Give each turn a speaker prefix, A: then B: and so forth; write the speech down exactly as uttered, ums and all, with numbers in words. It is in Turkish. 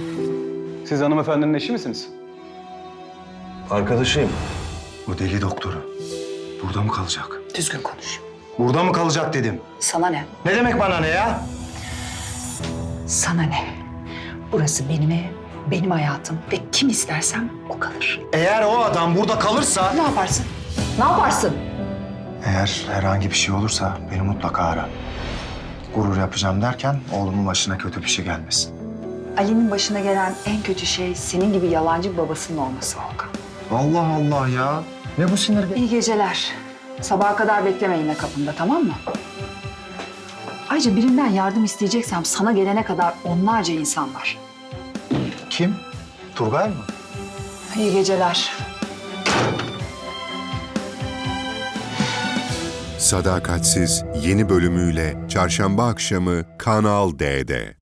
A: Siz hanımefendinin eşi misiniz?
B: Arkadaşıyım.
C: O deli doktoru. Burada mı kalacak?
D: Düzgün konuş.
C: Burada mı kalacak dedim.
D: Sana ne?
C: Ne demek bana ne ya?
D: Sana ne? Burası benim evim, benim hayatım ve kim istersem o kalır.
C: Eğer o adam burada kalırsa...
D: Ne yaparsın? Ne yaparsın?
C: Eğer herhangi bir şey olursa beni mutlaka ara. Gurur yapacağım derken oğlumun başına kötü bir şey gelmesin.
D: Ali'nin başına gelen en kötü şey senin gibi yalancı bir babasının olması Volkan.
C: Allah Allah ya. Ne bu sinir be?
D: İyi geceler. Sabaha kadar bekleme yine kapımda, tamam mı? Ayrıca birinden yardım isteyeceksem sana gelene kadar onlarca insan var.
C: Kim? Turgay mı?
D: İyi geceler.
E: Sadakatsiz yeni bölümüyle Çarşamba akşamı Kanal D'de.